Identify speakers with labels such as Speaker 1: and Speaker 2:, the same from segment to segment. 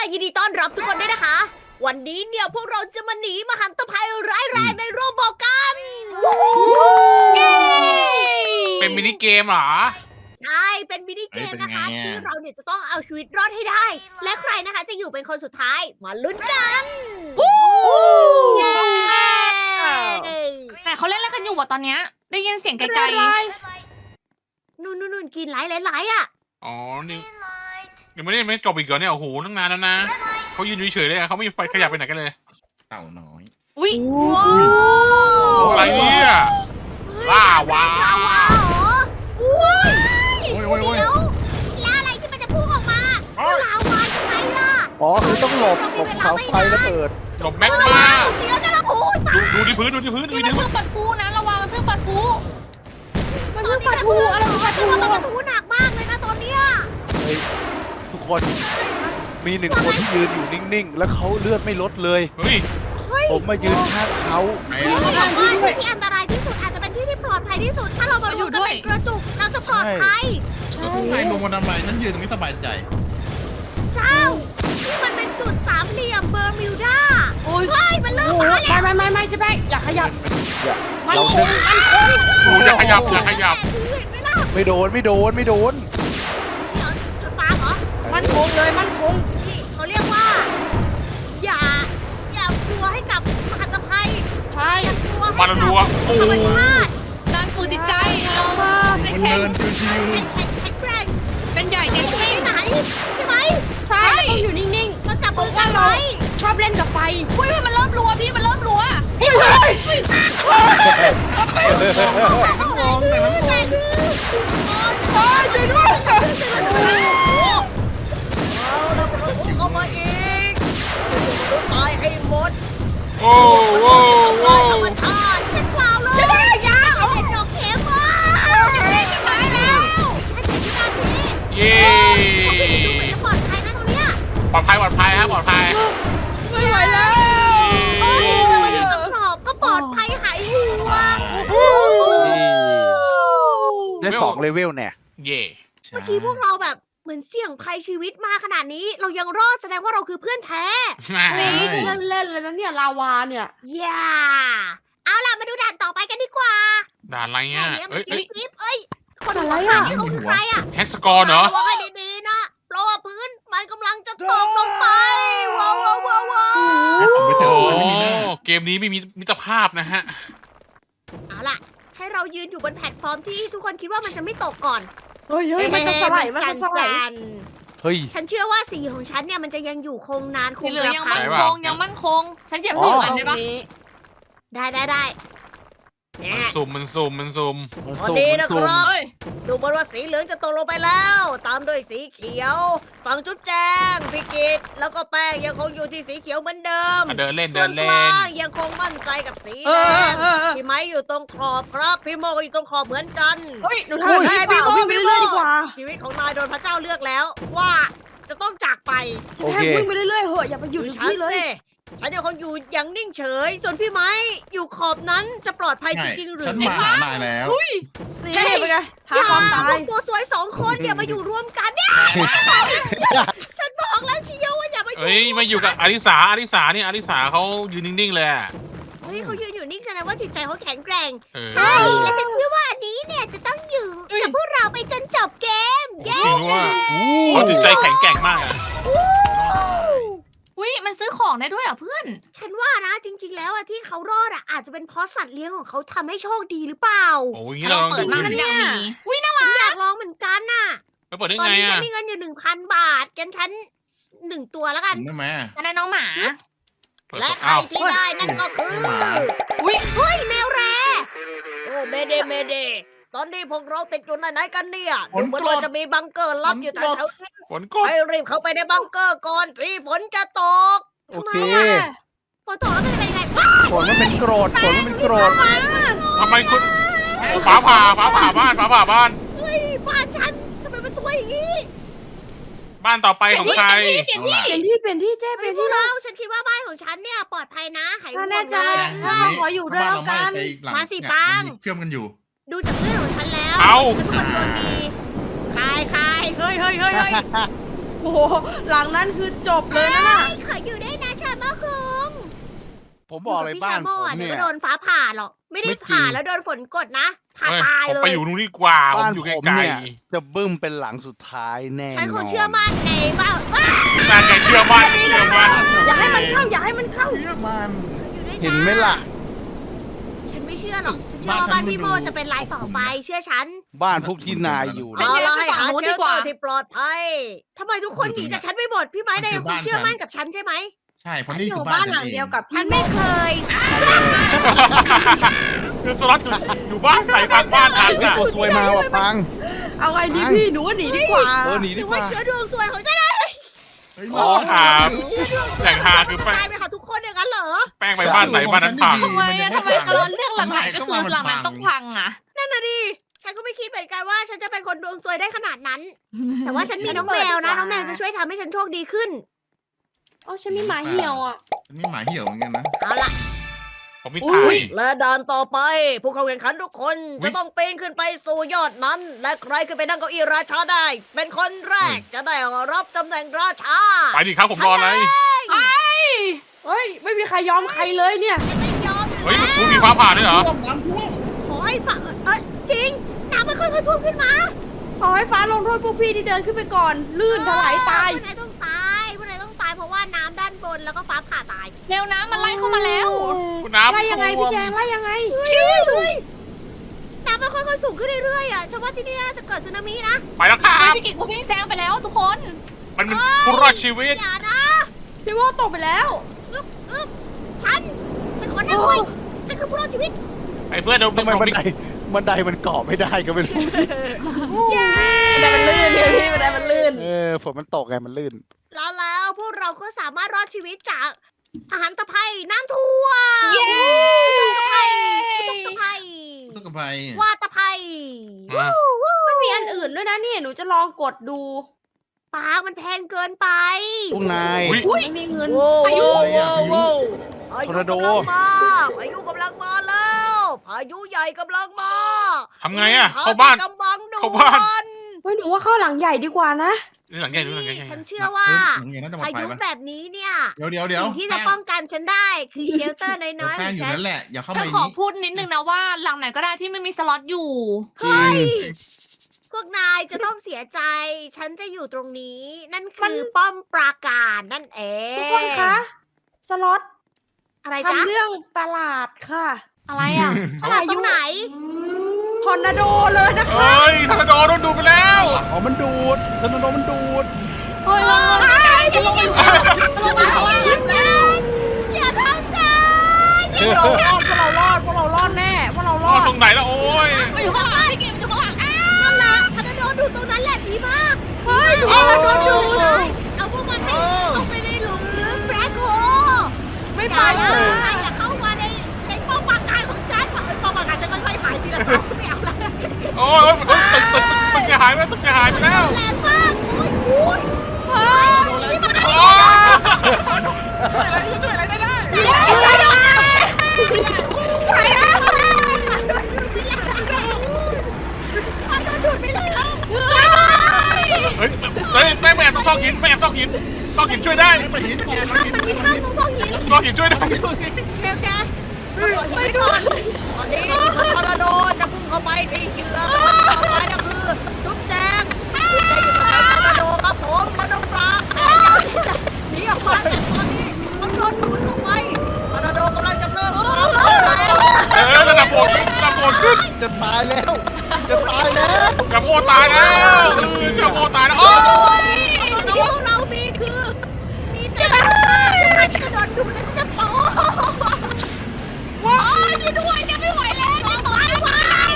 Speaker 1: ยินดีต้อนรับทุกคนด้วยนะคะ วันนี้เนี่ยพวกเราจะมาหนีมหันตภัยร้ายแรงในโรบอทกันวู้ฮู้
Speaker 2: เป็นมินิเกมเหรอ
Speaker 1: ใช่เป็นมินิเกมนะคะ
Speaker 3: เฮ้ยเป็นไงอะ
Speaker 1: ที่เราเนี่ยจะต้องเอาชีวิตรอดให้ได้ และใครนะคะจะอยู่เป็นคนสุดท้ายมาลุ้นกันเย้
Speaker 4: แต่เขาเล่นอะไรกันอยู่วะตอนเนี้ยได้ยินเสียงไกล
Speaker 1: นู่นกินหลายอ่ะ
Speaker 2: อ๋อ นี่ยังไม่ได้จบอีกเหรอเนี่ย โอ้โห ตั้งนานแล้วนะ เขายืนเฉยๆเลยอะเขาไม่ไปขยับไปไหนกันเลย
Speaker 3: เต่าน้อย
Speaker 4: ๆอุ้ย
Speaker 1: ว้าว
Speaker 2: อะไรเนี่ยล่าวา
Speaker 1: ลาวาเหรออุ้ย
Speaker 3: โอ้ยโอ้ยโอ้ย
Speaker 1: เดี๋ยวแล้วอะไรที่มันจะพุ่งออกมาก็ลาวายังไงล่ะ
Speaker 5: อ๋อคือต้องหลบเสาไฟระเบิด
Speaker 2: หลบแม็กมา
Speaker 1: เดี๋ยวจะระพูด
Speaker 2: ดูที่พื้น ดูที่พื้น
Speaker 4: นี่
Speaker 2: ดู
Speaker 4: มัน
Speaker 2: ที่พื้น
Speaker 4: เพิ่งปัดพูนะระวังมันเพิ่งปัดพู
Speaker 1: มันเพิ่งปะทูอะไรมันปะทูมันปะทูหนักมากเลยนะตอนเนี้ย
Speaker 5: เฮ้ยทุกคนมีหนึ่งคนที่ยืนอยู่นิ่งๆ แล้วเขาเลือดไม่ลดเลย
Speaker 2: เฮ้ย
Speaker 5: ผมมายืนข้างเขา
Speaker 3: ไอ้
Speaker 1: ที่บอกว่าที่ที่อันตรายที่สุดอาจจะเป็นที่ที่ปลอดภัยที่สุด ถ้าเรามารวมกันเป็นกระจุกเราจะปลอดภัย
Speaker 3: ไอ้ลงมาทำไมฉันยืนตรงนี้สบายใจ
Speaker 1: เจ้าที่มันเป็นจุดสามเหลี่ยมเบอร์มิวดา
Speaker 4: โอ้ย
Speaker 1: เฮ้ยมันเริ่มมาแล้ว
Speaker 4: ไม่จะไปอย่าขยับ
Speaker 5: เราเดิน
Speaker 2: โอ้อย่าขยับ อย่าขยับ
Speaker 1: แต่ถือเห็นไหมล่ะ
Speaker 5: ไม่โดน
Speaker 1: เดี๋ยวจุดปาเหรอ
Speaker 4: มันคงเลยมันคง
Speaker 1: นี่เขาเรียกว่า อย่ากลัวให้กับมหันตภัย
Speaker 4: ใช่
Speaker 1: อย่ากลัวให้
Speaker 2: มา
Speaker 1: กับ
Speaker 2: รัวๆโอ้
Speaker 1: ธรรม
Speaker 2: โห
Speaker 1: ชาติ
Speaker 4: การฝึกจิตใจเรา
Speaker 3: มันเดินชิว
Speaker 1: แข็งแกร่ง
Speaker 4: เป็นใหญ่
Speaker 1: ไป
Speaker 4: เต็ม
Speaker 1: ที่
Speaker 4: ที่
Speaker 1: ไหนใช่ไหม
Speaker 4: ใช่ต้องอยู่นิ่ง
Speaker 1: เราจับมือกันไว้
Speaker 4: ๆชอบเล่นกับไฟอุ้ยมันเริ่มรัวพี่มันเริ่มรัว
Speaker 3: ๆแต่น้ำมองแต่น้ำมอง
Speaker 1: ช่วยด้วยเอาแล้วเราพุ่งเข้ามาอีกตายให้หมด
Speaker 2: โอ้โห
Speaker 1: ทำลายธรรมชาติฉันเปล่าเลยยาเอาเด็ดดอกเข็มว่ะจะตายแล้วแค่7 วินาที
Speaker 2: เย้
Speaker 1: ดูเหมือนจะปลอดภัยนะตรงเนี้ย
Speaker 2: ปลอดภัย ปลอดภัยครับปลอดภัย
Speaker 4: ไม่ไหวแล้ว
Speaker 1: เรามาอยู่ตรงกรอบก็ปลอดภัยหายห่วง
Speaker 5: ได้2 เลเวลเนี่ย
Speaker 2: เย่
Speaker 1: เมื่อกี้พวกเราแบบเหมือนเสี่ยงภัยชีวิตมาขนาดนี้ เรายังรอดแสดงว่าเราคือเพื่อนแท้
Speaker 4: จริงเล่นเลยนะเนี่ยลาวาเนี่ย
Speaker 1: อย่าเอาล่ะมาดูด่านต่อไปกันดีกว่า
Speaker 2: ด่านอะไร
Speaker 1: แค่
Speaker 2: เงี้ย
Speaker 1: เนี้ยมั
Speaker 2: เอ้
Speaker 1: น
Speaker 2: ย
Speaker 1: จิ๊
Speaker 2: เอ้ย
Speaker 1: บจิ๊บเอ้ยคนหัวขาดนี่เขาคือใครอ่ะ
Speaker 2: แฮกสกอร์เหรอ
Speaker 1: ระวังให้ดีๆนะเพราะว่าพื้นมันกำลังจะตกลงไปว้าวว้าวว้าวว้าว
Speaker 3: ให้ผมไปเถ
Speaker 2: โอ้
Speaker 3: อะมันไม่มีหน้า
Speaker 2: เกมนี้ไม่มีมิตรภาพนะฮะ
Speaker 1: เอาล่ะ ให้เรายืนอยู่บนแพลตฟอร์มที่ทุกคนคิดว่ามันจะไม่ตกก่อน
Speaker 4: เฮ้ยมันจะสลายมัน
Speaker 1: สั่
Speaker 4: จะสลาย
Speaker 1: น
Speaker 5: เฮ้ย
Speaker 1: ๆฉันเชื่อว่าสีของฉันเนี่ยมันจะยังอยู่คงนานค
Speaker 4: สี
Speaker 1: ง
Speaker 4: เหลื
Speaker 1: ก
Speaker 4: อง
Speaker 1: ระ
Speaker 4: ยัง
Speaker 1: พัน
Speaker 4: มั่นคงยังมั่นคง ฉันเหยียบสีมันได้ปะ
Speaker 1: ได้เนี่
Speaker 2: มัน
Speaker 1: ย
Speaker 2: ซุ่มมันซุ่มมันซุ่ม
Speaker 5: มัน
Speaker 1: พอ
Speaker 5: สูง
Speaker 1: ดี
Speaker 5: มัน
Speaker 1: นะ
Speaker 5: สู
Speaker 1: ค
Speaker 5: ง
Speaker 1: รับ
Speaker 4: เฮ้ย
Speaker 1: ดูเหมือนว่าสีเหลืองจะตกลงไปแล้ว ตามด้วยสีเขียว ฝั่งจุ๊บแจงพี่กิตแล้วก็แป้งยังคงอยู่ที่สีเขียวเหมือนเดิม
Speaker 2: อ่ะเดินเล่น
Speaker 1: ส่
Speaker 2: เดิ
Speaker 1: วน
Speaker 2: น
Speaker 1: ก
Speaker 2: เล่
Speaker 1: ลาน งยังคงมั่นใจกับสีแดงพี่ไม้อยู่ตรงขอบครับ พี่โมก็อยู่ตรงขอบเหมือนกัน
Speaker 4: เฮ้ยหนูทำแบบนี้ดีกว่าวิ่งไปเรื่อยๆดีกว่า
Speaker 1: ชีวิตของนายโดนพระเจ้าเลือกแล้ว ว่าจะต้องจากไป
Speaker 5: โอ
Speaker 4: แค่
Speaker 5: เค
Speaker 4: วิ่งไปเรื่อยๆเหอะอย่าไปหยุด
Speaker 1: ดู
Speaker 4: อยู่
Speaker 1: ฉัน
Speaker 4: ที่เลย
Speaker 1: สิฉันยังคงอยู่อย่างนิ่งเฉย ส่วนพี่ไม้อยู่ขอบนั้นจะปลอดภัยจ
Speaker 3: ใช่
Speaker 1: ริงๆหรือ
Speaker 3: ฉัน
Speaker 1: ไม่
Speaker 3: มาหานายแล้ว
Speaker 4: นี่เป็นไงหา
Speaker 1: อย่า
Speaker 4: ความตา
Speaker 1: พวย กตัวสวย2 คนเนี่ยมาอยู่รวมกันเนี่ยฉันบอกแล้วเชียวว่าอย่ามาอยู่
Speaker 2: เอ้ยมาอยู่กับอลิสาอลิสาเนี่ยอลิสาเขายืนนิ่งๆเลยอะ
Speaker 1: เฮ้ยเขายืนอยู่นิ่งแสดงว่าจิตใจเขาแข็งแกร่ง
Speaker 2: เออ
Speaker 1: ใช่และฉันเชื่อว่าอันนี้เนี่ยจะต้องอยู่กับพวกเราไปจนจบเกม
Speaker 2: จริงว่าเขาจิตใจแข็งแกร่งมากอะ
Speaker 4: อุ้ยมันซื้อของได้ด้วยเหรอ่ะเพื่อน
Speaker 1: ฉันว่านะจริงๆแล้วอะที่เขารอดอะอาจจะเป็นเพราะสัตว์เลี้ยงของเขาทำให้โชคดีหรือเปล่า
Speaker 2: โอ้ย
Speaker 4: ฉั
Speaker 2: งี้
Speaker 4: นล
Speaker 2: เรา
Speaker 4: อง
Speaker 2: ลอง
Speaker 4: เปิ
Speaker 2: ดู
Speaker 4: ดมาฉันอยากมีอุ้ยน่ารั
Speaker 1: ฉั
Speaker 4: ก
Speaker 1: นอยากลองเหมือนกันน่ะ
Speaker 2: ไปเปิดได้
Speaker 1: ตอน
Speaker 2: ไง
Speaker 1: นี้ฉั
Speaker 2: อะ
Speaker 1: นมีเงินอยู่ 1,000 บาทกันฉัน1 ตัวแล้วกัน
Speaker 3: ได้ไหม
Speaker 4: ฉันได้น้องหมา
Speaker 2: เปิด
Speaker 1: และใคร
Speaker 2: อ้าว
Speaker 1: ที่ได้นั่นก็คือ
Speaker 4: อุ้ย
Speaker 1: เฮ้ยแมวแรโอ้เมเดเดตอนนี้พวกเราติดอยู่ไหนๆกันเนี่ยดูเหมือนว่าจะมีบังเกอร์ลับอยู่แถวๆนี้
Speaker 2: ฝนกด
Speaker 1: ให้รีบเข้าไปในบังเกอร์ก่อนที่ฝนจะตก
Speaker 5: โอเค
Speaker 1: ฝนตกแล้วมันจะเป็นยังไงว้าว
Speaker 5: ฝนมันเป็นโกรธฝนมันเป็นโกรธ
Speaker 2: ทำไมคุณฟ้าผ่าฟ้าผ่าบ้านฟ้าผ่าบ้าน
Speaker 1: เฮ้ยบ้านฉันทำไมมันสวยอย่างนี้
Speaker 2: บ้านต่อไปของใคร
Speaker 4: เปลี่ยนที่เจ๊เปลี่ยน
Speaker 1: พว
Speaker 4: ที่
Speaker 1: กเราฉันคิดว่าบ้านของฉันเนี่ยปลอดภัยนะหายห่วง
Speaker 4: แน่ใจ
Speaker 1: เลย
Speaker 4: ขออยู่ด้วยแล้วกัน
Speaker 3: ไปอีกหลัง
Speaker 1: มาสิ
Speaker 3: เนี่ย
Speaker 1: ปัง
Speaker 3: มันมีเชื่อมกันอยู่
Speaker 1: ดูจากเรื่องของฉันแล้ว
Speaker 2: เอา
Speaker 1: ฉันเป็นคนดวงดีคายเฮ้ย
Speaker 4: โหหลังนั้นคือจบเลยนะน่ะ
Speaker 1: ขออยู่ได้นะชาโมคุง
Speaker 5: ผมบอกเลยบ้านผม
Speaker 1: เดี๋
Speaker 5: เนี่ย
Speaker 1: วย ก็โดนฟ้าผ่าหรอก ไม่ได้
Speaker 5: ไม่จริง
Speaker 1: ผ่าแล้วโดนฝนกดนะผ่า
Speaker 2: เฮ้ย
Speaker 1: ตาย
Speaker 2: ผม
Speaker 1: เล
Speaker 2: ไป
Speaker 1: ย
Speaker 2: อยู่นู่นดีกว่าผม
Speaker 5: บ้าน
Speaker 2: อยู่
Speaker 5: ผม
Speaker 2: ไกล
Speaker 5: เนี่ยจะบึ้มเป็นหลังสุดท้ายแน่
Speaker 1: ฉันคง
Speaker 5: น
Speaker 1: เชื่อมั่นในว่าว้า
Speaker 2: ๆนั่นไงเชื่อมั่นเชื่อมั่น
Speaker 4: อย่าให้มันเข้าอย่าให้มันเข้า
Speaker 3: เชื่อมัน
Speaker 1: อยู่ด้วย
Speaker 5: เห็นไหมล่ะ
Speaker 1: ฉันไม่เชื่อหรอก ฉันเชื่อว่าบ้านพี่โมจะเป็นรายต่อไป เชื่อฉัน
Speaker 5: บ้านพวกที่นายอยู่
Speaker 4: ฉัน
Speaker 1: เอา
Speaker 4: แยก
Speaker 1: ละ
Speaker 4: ไป
Speaker 1: ให้
Speaker 4: ฝั่
Speaker 1: หาง
Speaker 4: นู้น
Speaker 1: เช
Speaker 4: ดี
Speaker 1: ล
Speaker 4: ก
Speaker 1: เตอ
Speaker 4: ว่า
Speaker 1: ร์ที่ปลอดภัยทำไมทุกคนหนีจากฉันไม่หมด พี่ไม้นายยังคงเชื่อมั่นกับฉันใช่ไหม
Speaker 3: ใช่เพราะนี่
Speaker 4: อ
Speaker 3: คื
Speaker 4: ยู่
Speaker 3: อ
Speaker 4: บ้า
Speaker 3: บ้าน น
Speaker 4: หลังเดียวกับ
Speaker 1: ฉั
Speaker 4: พี่
Speaker 1: นไม่เคย
Speaker 2: คือสล็อตอยู่บ้านไหนพังบ้านทัน
Speaker 5: เฮ้ย
Speaker 2: อ่ะ
Speaker 5: ตัวซวยมาว่ะปัง
Speaker 4: เอาไงดีพี่หนูว่าหนีดีกว่า
Speaker 5: หนี
Speaker 1: ห
Speaker 5: ดี
Speaker 1: รือก
Speaker 5: ว่า
Speaker 1: ว่าเชื้อดวงซวยของฉันนะ
Speaker 3: เฮ้ย
Speaker 2: อ๋อถามแหล่งหาคือแป้
Speaker 1: ตาง ยไปหาทุกคนอย่างนั้นเหรอ
Speaker 2: แป้งไปบ้านไหนบ้านนั้นพัง
Speaker 4: ทำไมอะทำไมตอนเรื่องหลังไหนก็คือหลังนั้นต้องพังอะ
Speaker 1: นั่นน่ะดิ ฉันก็ไม่คิดเหมือนกันว่าฉันจะเป็นคนดวงซวยได้ขนาดนั้น แต่ว่าฉันมีน้องแมวนะ น้องแมวจะช่วยทำให้ฉันโชคดีขึ้น
Speaker 4: อ๋อฉันมีหมาเหี่ยวอ่ะ
Speaker 3: นี่หมาเหี่ยวเหมือนกันนะ
Speaker 1: เอาล่ะ
Speaker 2: ผมมี
Speaker 4: อุ๊
Speaker 2: ถ่าย ย
Speaker 1: และด่านต่อไป ผู้เข้าแข่งขันทุกคนจะต้องปีนขึ้นไปสู่ยอดนั้น และใครขึ้นไปนั่งเก้าอี้ราชาได้ เป็นคนแรกจะได้รับตำแหน่งราชา
Speaker 2: ไปดิครับผมรอเลย
Speaker 4: เฮ้ยไม่มีใครยอมใครเลยเนี่ย
Speaker 1: ฉันไม่ยอม
Speaker 2: เฮ้ยคุณมีฟ้าผ่าด้วยเหรอ
Speaker 3: ท่วมน้ำท่วม
Speaker 1: ขอให้ฝ่าจริง น้ำมันค่อยๆท่วมขึ้นมา
Speaker 4: ขอให้ฟ้าลงโทษพวกพี่ที่เดินขึ้นไปก่อน ลื่นถลายตาย
Speaker 1: พวกนายต้องตายพวกนายต้องตายเพราะว่าน้ำด้านบนแล้วก็ฟ้าผ่าตาย
Speaker 4: เร็วน้ำมันไล่เข้ามาแล้ว
Speaker 2: คุณน้ำ
Speaker 4: ไล่ยังไง
Speaker 2: ท่ว
Speaker 4: พี่
Speaker 2: ม
Speaker 4: แจงไล่ยังไง
Speaker 1: น้ำมันค่อยๆสูงขึ้นเรื่อยๆอ่ะฉันว่าที่นี่น่าจะเกิดสึนามินะ
Speaker 2: ไปแล้วครับ
Speaker 4: พี่กิจกูวิ่งแซงไปแล้วทุกคน
Speaker 2: มันเป็นผู้รอดชีวิต
Speaker 1: อย่านะ
Speaker 4: พี่ว่าตกไปแล้ว
Speaker 1: อึ๊บฉันเป็นคนนั่งด้วยฉันคือผู้รอดชีวิต
Speaker 2: ไอ้เพื่อนเดี๋ยว
Speaker 5: ทำไมบันไดมันเกาะไม่ได้ก็ไม่รู้
Speaker 1: เย้
Speaker 4: บันไดมันลื่นเนี่ยพี่บันไดมันลื่น
Speaker 5: ฝนมันตกไงมันลื่น
Speaker 1: แล้วพวกเราก็สามารถรอดชีวิตจากอาหารตะไคร่น้ำท่วม
Speaker 4: เย้
Speaker 1: ตะไคร่ตะไคร่
Speaker 3: ตุ๊กตา
Speaker 1: ว่าตะไคร่
Speaker 4: มันมีอันอื่นด้วยนะเนี่ยหนูจะลองกดดู
Speaker 1: ปากมันแพงเกินไป
Speaker 5: พวกนาย
Speaker 2: อุ๊ย
Speaker 4: ไม่มีเงิน
Speaker 1: โว้
Speaker 4: อายุ
Speaker 1: โว้พา
Speaker 5: ทอ
Speaker 1: ยุ
Speaker 5: ร์นาโด
Speaker 1: กำลังมาพายุกำลังมาแล้วพายุใหญ่กำลังมา
Speaker 2: ทำไงอะเข้าบ้าน
Speaker 1: หที่กำบังด่วน
Speaker 2: เข้าบ้าน
Speaker 4: เฮ้ยหนูว่าเข้าหลังใหญ่ดีกว่านะ
Speaker 2: นี่หลังใหญ่ดูหลังใหญ่
Speaker 1: ฉันเชื่อว่า
Speaker 3: อย่างเงี้ยน่าจะมา
Speaker 1: พา
Speaker 3: ไป
Speaker 1: ยุ
Speaker 3: ปะ
Speaker 1: แบบนี้เนี่ย
Speaker 3: เดี๋ยว
Speaker 1: สิ่งที่จะป้องกันฉันได้คือเชลเตอร์น้อยๆข
Speaker 3: แป้
Speaker 1: อง ง
Speaker 3: อยู่
Speaker 1: ฉัน
Speaker 3: นั่นแหละอย่าเข้า
Speaker 4: จะ
Speaker 3: มา
Speaker 4: ขอ
Speaker 3: นี้
Speaker 4: พูดนิดนึงนะว่าหลังไหนก็ได้ที่ไม่มีสล็อตอยู่
Speaker 5: จริง
Speaker 1: พวกนายจะต้องเสียใจ ฉันจะอยู่ตรงนี้ นั่นคือป้อมปราการนั่นเอง
Speaker 4: ทุกคนคะ สล็อต
Speaker 1: อะไรจ๊ะ
Speaker 4: ทำเรื่องประหลาดค่ะ อะไรอ่ะ
Speaker 1: ขนาดตรงไหน
Speaker 4: ทอร์นาโดเลยนะคะ
Speaker 2: เฮ้ยทอร์นาโดโดนดูดไปแล้ว
Speaker 5: อ๋อมันดูดทอร์นาโดมันดูด
Speaker 4: เฮ้ยจะลงไปอยู่จะลงไปอยู่ข้างล่าง
Speaker 1: อย่าทำฉัน
Speaker 4: พวกเรารอดพวกเรารอดพวกเรารอดแน่พวกเราร
Speaker 2: อ๋
Speaker 4: อ
Speaker 2: อ
Speaker 4: ด
Speaker 2: ตรงไหนแล้วโอ้ย
Speaker 4: มาอยู่ข้างหลังพี่กิมอยู่ข้างหลังอ้าว
Speaker 1: นั่นแหละพนันโดนดูตรงนั้นแหละดีมาก
Speaker 4: เฮ้ย
Speaker 1: พนันโดนดูเลยเอาพวกมันให้ลงไปในหลุมลึกแบล็คโฮ
Speaker 4: ไม่
Speaker 1: อ
Speaker 4: ไป
Speaker 1: ย่า
Speaker 4: เล
Speaker 1: นะ
Speaker 4: ย
Speaker 1: นายอย่าเข้ามาในป้อมปราการของฉันป้อมปราการฉันค่อยๆหายทีละสองไม่เอาละ
Speaker 2: โอ้ยตึกจะหายไปแล้วตึกจะหายไปแล้ว
Speaker 1: แรงมากโอ้ยคุณเฮ้ยนี่มัน
Speaker 2: โอ้
Speaker 1: ช่วยอะไรได้ได้
Speaker 4: ช่วยด้วย
Speaker 1: ใครอะมันโดนดูดไปแล้ว
Speaker 2: เฮ้ยแม่แอบต้องซอกหินแม่แอบซอกหินซอกหินช่วยได้
Speaker 3: ไปหินไป
Speaker 1: มันมีข้างตรงท้องหิน
Speaker 2: ซอกหินช่วยได้
Speaker 1: แกไปก่อนตอนนี้ทอร์นาโดจะพุ่งเข้าไปที่เหยื่อต่อไปก็คือจุ๊บแจงจุ๊บแจงอยู่กับทอร์นาโดครับผมแล้วน้องปลาหนีออกมาแต่ตอนนี้มันโดนดูดเข้าไปทอร์นาโดกำลังจะเพิ่มความเร็วแล้ว
Speaker 2: ระดับโหดขึ้น
Speaker 5: จะตายแล้ว จะตายแล้ว
Speaker 2: กับโมตายแล้วกับโมตายแล้วโอ้
Speaker 1: พวกเรามีคือมีแต่ฉันจะโดนดูดแล้วฉันจะโป๊
Speaker 4: ว้ายช่วยด้วยแกไม่ไหวแล้ว
Speaker 1: ตายไป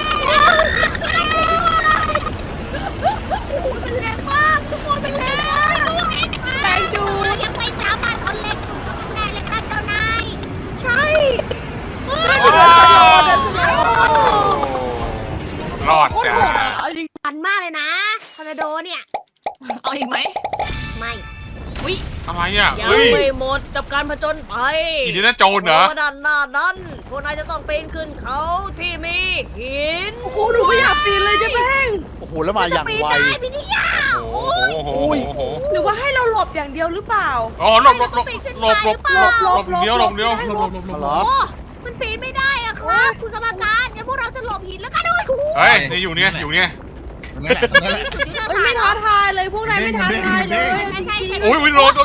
Speaker 1: มันแรงมากทุกคนมันแรง
Speaker 4: แรงดู
Speaker 1: เรายังไปสามารถคนเล็กอยู่กับข้างในเลยครับเจ้านาย ใช่
Speaker 2: รอดจ้า
Speaker 1: ปันมากเลยนะทอร์นาโดเนี่ย
Speaker 4: เอาอีกไหม
Speaker 1: ไม่
Speaker 4: วิ
Speaker 2: ทำไมอ่ะ
Speaker 1: ยัง
Speaker 2: เฮ้ย
Speaker 1: ไม่หมดกับการผจญภัย
Speaker 2: อีนี่น่าโจรเหรอ
Speaker 1: เพราะด้านหน้านั้นพวกนายจะต้องปีนขึ้นเขาที่มีหิน
Speaker 4: โอ้โหหนูไม่อยากปีนเลยเจ๊แป้ง
Speaker 5: โอ้โหแล้วมาอย่าง
Speaker 1: ปีน
Speaker 5: ไว
Speaker 1: ได้พี่นี่ยาว
Speaker 2: โอ้โห
Speaker 4: หรือว่าให้เราหลบอย่างเดียวหรือเปล่า
Speaker 2: อ๋อหลบเดียว
Speaker 3: หลบ
Speaker 5: เหรอ
Speaker 1: โอ้มันปีนไม่ได้อะครับ คุณกรรมการงั้นพวกเราจะหลบหินแล้วกันด้วยคุณ
Speaker 2: เฮ้ยนี่อยู่เนี่ย
Speaker 3: นั่นแหละนั่นแหละ
Speaker 1: จุดที่เรา
Speaker 4: เอ้ยไม่ท้าทายเลยพวกนายไม่ท้าทายเลย
Speaker 1: ใช่
Speaker 2: โอ้ยโดน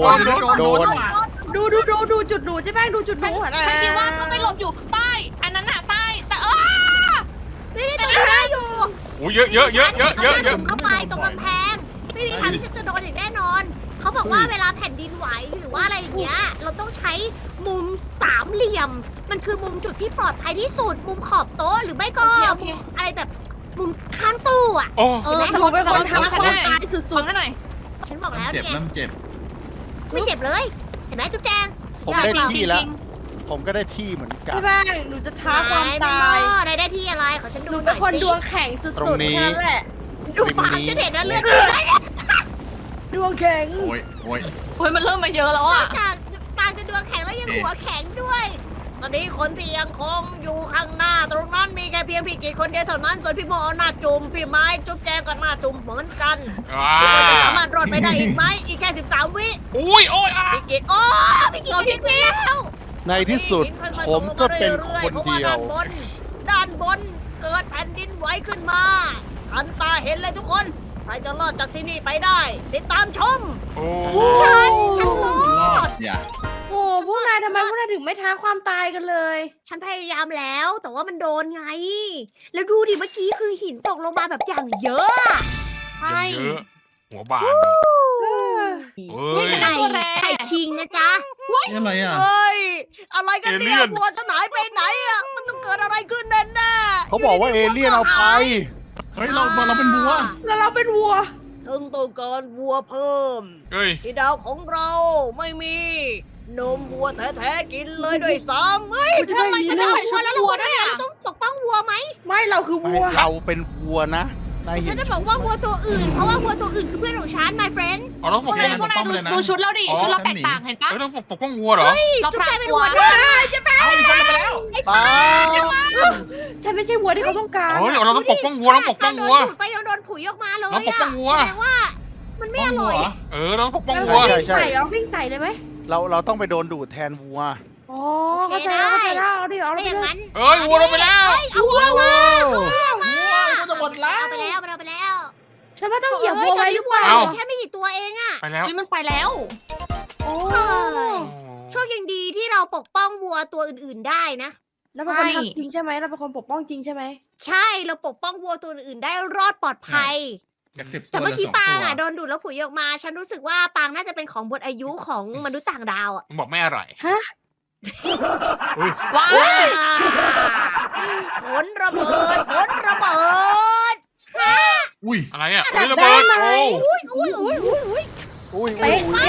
Speaker 4: ดูจุดหนูเจ๊แป้งดูจุดหนู
Speaker 6: ฉันคิดว่าต้องไปหลบอยู่ใต้อันนั้นน่ะใต้แต่
Speaker 1: นี่ตรงนี้ได้อยู่
Speaker 2: โอ้ยเยอะ
Speaker 1: เข้าไปตรงกำแพง ไม่มีทางที่จะโดนอีกแน่นอน เขาบอกว่าเวลาแผ่นดินไหวหรือว่าอะไรอย่างเงี้ย เราต้องใช้มุมสามเหลี่ยม มันคือมุมจุดที่ปลอดภัยที่สุด มุมขอบโต๊ะหรือไม่ก็มุมอะไรแบบมุมข้างตู้อะ
Speaker 2: โอ้
Speaker 4: หนูเป็นคนท้าความตายสุ
Speaker 6: ฟัง
Speaker 4: ด
Speaker 6: ให้หน่อย
Speaker 1: ฉันบอกแล้ว
Speaker 3: เจ็บ
Speaker 1: เนี่ย
Speaker 3: น้ำเจ็บ
Speaker 1: ไม่เจ็บเลย เห็นไหมจุ๊บแจง
Speaker 5: ผมได้ที่แล้ว ผมก็ได้ที่เหมือน
Speaker 4: ๆ
Speaker 5: กัน
Speaker 4: เจ๊แป้งหนูจะท้าความตาย
Speaker 1: นายได้ที่อะไรขอฉัน
Speaker 4: ห
Speaker 1: ดู
Speaker 4: นู
Speaker 1: ห
Speaker 4: เป็
Speaker 1: น่
Speaker 4: น
Speaker 1: อย
Speaker 4: คน
Speaker 1: สิ
Speaker 4: ดวงแข็งสุด
Speaker 5: ตรง
Speaker 4: ๆ
Speaker 5: นี้
Speaker 4: แค่นั้นแหละ
Speaker 1: ดูปากฉันเห็นนะเลือดขึ้นเลยเนี่ย
Speaker 4: ดวงแข็ง
Speaker 3: โอ้ย
Speaker 6: โอ้ยมันเริ่มมาเยอะแล้วอ่ะ
Speaker 1: จากปากจะดวงแข็งแล้วยังหัวแข็งด้วย ตอนนี้คนที่ยังคงอยู่ข้างหน้า ตรงนั้นมีแค่เพียงพี่กิจคนเดียวเท่านั้น ส่วนพี่โมเอาหน้าจุ่มพี่ไม้จุ๊บแจงก็หน้าจุ่มเหมือนกันพี่โมจะสามารถรอดไปได้อีกไหมอีกแค่13 วิ
Speaker 2: อุ้ยโอ้ย
Speaker 1: พี่กิจโอ้พี่กิจจะดิ้นไปแล้ว
Speaker 5: ในที่สุดผมก็เป็นคนเดียว
Speaker 1: ด้านบนเกิดแผ่นดินไหวขึ้นมาทันตาเห็นเลยทุกคนใครจะรอดจากที่นี่ไปได้ ติดตามชม
Speaker 2: โอ้
Speaker 1: ฉันรอ
Speaker 3: รอ
Speaker 1: ด
Speaker 3: ดอย่า
Speaker 4: โอ้พวกนายทำไมพวกนายถึงไม่ท้าความตายกันเลย
Speaker 1: ฉันพยายามแล้วแต่ว่ามันโดนไง แล้วดูดิเมื่อกี้คือหินตกลงมาแบบอย่างเยอะอะ
Speaker 6: ใช่
Speaker 2: เยอะหัวบาน
Speaker 6: เฮ้ยฉัน
Speaker 1: ไข่
Speaker 6: ได้ตัวแร
Speaker 1: ไข่คิงนะจ๊ะ
Speaker 3: นี่อะไรอ่ะ
Speaker 1: เฮ้ยอะไรกันเนี่ยวัวจะหายไปไหนอ่ะมันต้องเกิดอะไรขึ้นแน่ๆ
Speaker 5: เขาบอกว่าเอเลี่ยนเอาไป
Speaker 3: เฮ้ยเราเป็นวัว
Speaker 4: แล้วเราเป็นวัว
Speaker 1: ถึงต้องการวัวเพิ่ม
Speaker 2: เฮ้ย
Speaker 1: ที่ดาวของเราไม่มีนมวัวแท้ๆกินเลยด้วยซ้ำเฮ้ย
Speaker 4: กูจะไม่มี
Speaker 1: ฉัน
Speaker 4: ลู
Speaker 1: จะ
Speaker 4: ก
Speaker 1: วัวแล้วเราควรทำไงเราต้องปกป้องวัวไหม
Speaker 4: ไม่เราคือวัว
Speaker 5: เราเป็นวัวนะนาย
Speaker 1: ฉั
Speaker 5: เห็
Speaker 1: น
Speaker 5: น
Speaker 1: จะบอกว่าวัวตัวอื่น เพราะว่าวัวตัวอื่นคือเพื่อนของฉัน my friend
Speaker 2: เอาต้องปก
Speaker 6: พวก
Speaker 2: ป้อง
Speaker 6: นายพวกนายดูชุดเราดิชุดเราแตกต่างเห็นปะ
Speaker 2: เฮ้ยต้องปกป้องวัวเหรอ
Speaker 6: เรา
Speaker 1: จุ๊บ
Speaker 6: พราง
Speaker 1: แจเป็น
Speaker 6: ตัว
Speaker 1: วัวด้วยจะไป
Speaker 3: เอาอีกคนไปแล้ว
Speaker 5: ป้า
Speaker 4: ฉันไม่ใช่วัวที่เขาต้องการ
Speaker 2: เฮ้ยเราต้องปกป้องวัวต้องปกป้องวัว
Speaker 1: โดนดูดไปยังโดนผุยออกมาเลย
Speaker 2: เราปกป้องวัว
Speaker 1: แสดงว่ามันไม่อร่อย
Speaker 2: เราต้องปกป้อง
Speaker 4: แล้ว
Speaker 2: วัว
Speaker 4: วิ่งใส่เหรอวิ่งใส่เลยไหม
Speaker 5: เราต้องไปโดนดูดแทนวัว
Speaker 4: อ๋อเข้าใจแล้วเอาดิเอา
Speaker 1: ไม่
Speaker 4: ไป
Speaker 1: อย่าง
Speaker 4: เลย
Speaker 1: นั้น
Speaker 2: เอ้ยวัวเราไปแล้ว
Speaker 1: เอาวัวมา
Speaker 3: วัวก็จะหมดแล้ว
Speaker 1: เอาไปแล้วเอาไปแล้ว
Speaker 4: ฉันว่าต้องเหยียบวัว
Speaker 1: ตอน
Speaker 4: ไว้ห
Speaker 1: นี้
Speaker 4: รือ
Speaker 1: วั
Speaker 4: เป
Speaker 1: ว
Speaker 4: ล่า
Speaker 1: เราเหลือแค่ไม่กี่ตัวเองอะ
Speaker 2: ไปแล้ว
Speaker 6: มันไปแล้ว
Speaker 4: โอ้
Speaker 1: โชคยังดีที่เราปกป้องวัวตัวอื่นๆได้นะ
Speaker 4: เราเป็นคนทำจริงใช่ไหมเราเป็นคนปกป้องจริงใช่ไหม
Speaker 1: ใช่เราปกป้องวัวตัวอื่นๆได้รอดปลอดภัย
Speaker 3: จาก10
Speaker 1: แต่
Speaker 3: ตัว
Speaker 1: เมื่อ
Speaker 3: เหลื
Speaker 1: กี้
Speaker 3: อ
Speaker 1: ปาง
Speaker 3: 2 ตัว
Speaker 1: อ่ะโดนดูดแล้วผุยออกมา ฉันรู้สึกว่าปางน่าจะเป็นของหมดอายุของมนุษย์ต่างดาวอ่ะ
Speaker 2: มันบอกไม่อร่อย
Speaker 4: ฮะ
Speaker 6: ว้า
Speaker 1: ฝนระเบิดฝนระเบิด
Speaker 3: อุ้ย
Speaker 2: อะไรอ่ะ
Speaker 4: จับ
Speaker 2: ระเบิด
Speaker 4: ได้ไหม
Speaker 1: อุ้ย
Speaker 5: อุ้ย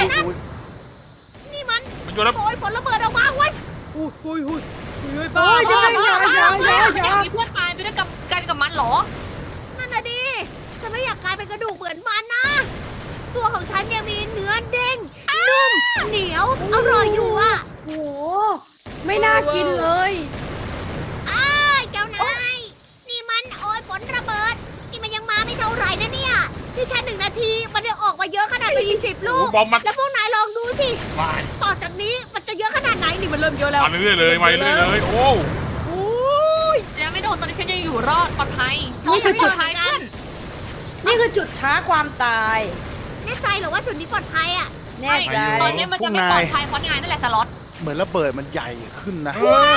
Speaker 1: นี่มัน
Speaker 2: มันโยนแล้ว
Speaker 1: โอยฝนระเบิดออกมาเว้ยอุ้ย
Speaker 4: โอ้ย
Speaker 6: บ้า
Speaker 4: จะ
Speaker 6: บ้า
Speaker 4: ไม่
Speaker 6: บ้า
Speaker 4: อย่า
Speaker 6: บ้า
Speaker 4: อย่าอย่า
Speaker 6: มีเพื่อนตายไปด้วยกันกับมันเหรอ
Speaker 1: นั่นน่ะดิฉันไม่อยากกลายเป็นกระดูกเหมือนมันนะ ตัวของฉันเนี่ยมีเนื้อเด้งนุ่มเหนียวอร่อยอยู่อ่ะ
Speaker 4: โอ้โหไม่น่ากินเลย
Speaker 1: อ้ายเจ้านาย นี่มันโอยฝนระเบิด นี่มันยังมาไม่เท่าไหร่นะเนี่ยนี่แค่1 นาทีมันจะออกมาเยอะขนาดเป็น10 ลูก
Speaker 2: บอมมา
Speaker 1: แล้วพวกนายลองดูสิ
Speaker 3: วาย
Speaker 1: ต่อจากนี้มันจะเยอะขนาดไหนนี่มันเริ่มเยอะแล้ว
Speaker 2: มาเรื่อยๆเลยมาเรื่อยๆเลยโอ้
Speaker 1: โอ้ย
Speaker 6: ยังไม่โดนตอนนี้ฉันยังอยู่รอดปลอดภัยฉันปลอดภัยเพื่อน
Speaker 4: นี่คือจุดช้าความตาย
Speaker 1: แน่ใจเหรอว่าจุดนี้ปลอดภัยอ่ะ
Speaker 4: แน่ใจ
Speaker 6: ตอนนี้มันจะไม่ปลอดภัยเพราะนายนั่นแหละสล็อต
Speaker 5: เหมือนระเบิดมันใหญ่ขึ้นนะ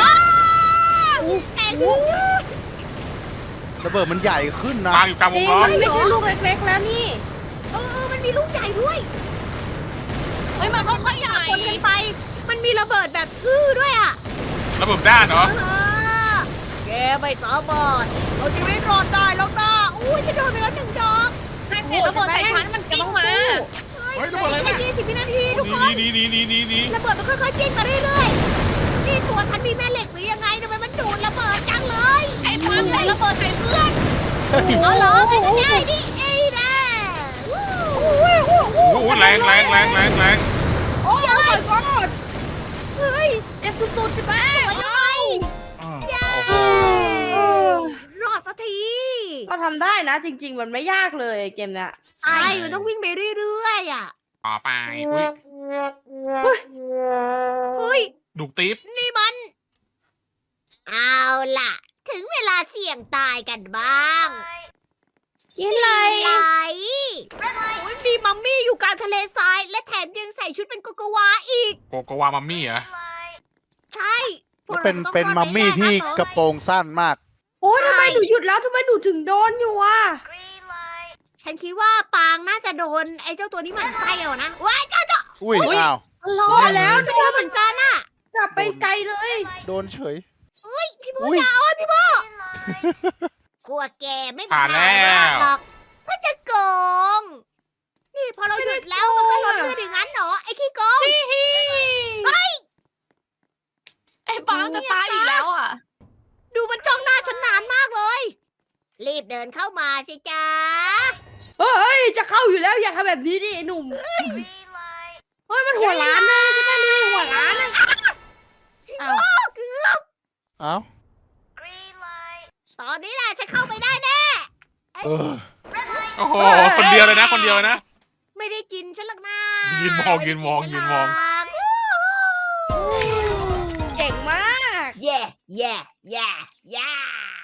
Speaker 1: แต่คือ
Speaker 5: ระเบิดมันใหญ่ขึ้นนะ
Speaker 2: ปางอยู่กลางว
Speaker 4: จริ
Speaker 2: ง
Speaker 4: ง
Speaker 2: ล้อ
Speaker 4: มันไม่ใช่ลูกเล็กๆแล้วนี่
Speaker 1: มันมีลูกใหญ่ด้วย
Speaker 6: เฮ้ยมันค่อยๆใหญ่
Speaker 1: คนกันไป มันมีระเบิดแบบทื่อด้วยอ่ะ
Speaker 2: ระเบิดด้านเหรอ
Speaker 1: แกไม่สามารถเอาชีวิตรอดได้หรอกนะอุ้ยฉันโดนไปแล้ว1 ดอก
Speaker 6: ให้เพลระเบิดใส่ฉันมันกิ้งมา
Speaker 3: เฮ้ยระเบิดอะไร
Speaker 1: แค่
Speaker 3: เนี่ย
Speaker 1: 20 วินาทีทุกคน
Speaker 2: นี่
Speaker 1: ระเบิดมันค่อยๆจิ้งมาเรื่อยๆ นี่ตัวฉันมีแม่เหล็กหรือยังไงทำไมมันดูดระเบิดจังเลย
Speaker 6: ไอ้ปังใส่ระเบิดใส่เพื่อน
Speaker 1: เอาเหรอเป็นไปได้ดิเอ้ยนะ
Speaker 2: โอ้โหแรง
Speaker 4: โอ้ย my god
Speaker 1: เฮ้ย
Speaker 4: เจ็บสุดๆจิแป้
Speaker 1: สวยจังเลย
Speaker 3: อ้าว
Speaker 1: เย้
Speaker 4: เออ
Speaker 1: รอดซะสักที
Speaker 4: ก็ทำได้นะ จริง ๆ มันไม่ยากเลยเกมเนี้ย
Speaker 1: ใช่มันต้องวิ่งไปเรื่อยๆอ่ะ
Speaker 2: ต่อไปอุ้ย
Speaker 1: เฮ้ย
Speaker 2: ดุกติ๊บ
Speaker 1: นี่มัน เอาล่ะ ถึงเวลาเสี่ยงตายกันบ้าง
Speaker 4: กินอะไร
Speaker 1: ไหลโอ้ยมีมัมมี่อยู่กลางทะเลทราย และแถมยังใส่ชุดเป็นโกโกวาอีก
Speaker 2: โกโกวามัมมี่เหรอ
Speaker 1: ใช่พวก
Speaker 5: แล้ว
Speaker 1: รา
Speaker 5: เป็น
Speaker 1: ต้อง
Speaker 5: เป็น
Speaker 1: รอด
Speaker 5: มัมมี่
Speaker 1: ไได้
Speaker 5: ที่
Speaker 1: แน่
Speaker 5: กระโปรงสั้นมาก
Speaker 4: โอ้ยทำไมหนูหยุดแล้วทำไมหนูถึงโดนอยู่อ่ะ
Speaker 1: ฉันคิดว่าปางน่าจะโดนไอ้เจ้าตัวนี้หมันไส้เอานะว้ายเจ้า
Speaker 5: อุ้ยอ้าว
Speaker 4: รอแล้ว
Speaker 1: ฉันโดนเหมือนกันน่ะ
Speaker 4: กลับไปไกลเลย
Speaker 5: โดนเฉย
Speaker 1: พี่โม
Speaker 5: อุ้ย
Speaker 1: ยาวอ่ะพี่โมกลัวแกไม่มี
Speaker 2: ผ่าน
Speaker 1: ทาง
Speaker 2: แล้ว
Speaker 1: รอดหรอกถ้าจะโกง นี่พอเราหยุดแล้วมันก็ลดเลือดอย่างนั้นเหรอไอ้ขี้โกง
Speaker 6: ไอ้ปางจะตายอีกแล้วอ่ะ
Speaker 1: ดูมันจ้องหน้าฉันนานมากเลย รีบเดินเข้ามาสิจ๊ะ
Speaker 4: เฮ้ย จะเข้าอยู่แล้วอย่าทำแบบนี้ดิไอ้หนุ่ม เฮ้ย มันหัวล้านเลยจะได้รู้หัวล้านอะอ้าว
Speaker 5: เอ้า
Speaker 1: ตอนนี้แหละฉันเข้าไปได้แน่
Speaker 5: เออ
Speaker 2: โอ้โหคนเดียวเลยนะคนเดียวเลยนะ
Speaker 1: ไม่ได้กินฉันหรอกนะ
Speaker 2: ยืนมอง
Speaker 1: ไได้
Speaker 2: ยืนมอง
Speaker 1: กิ
Speaker 2: ยืนมอง
Speaker 1: ฉัหรก
Speaker 4: เก่งมาก
Speaker 1: เย่เย่เย่เย่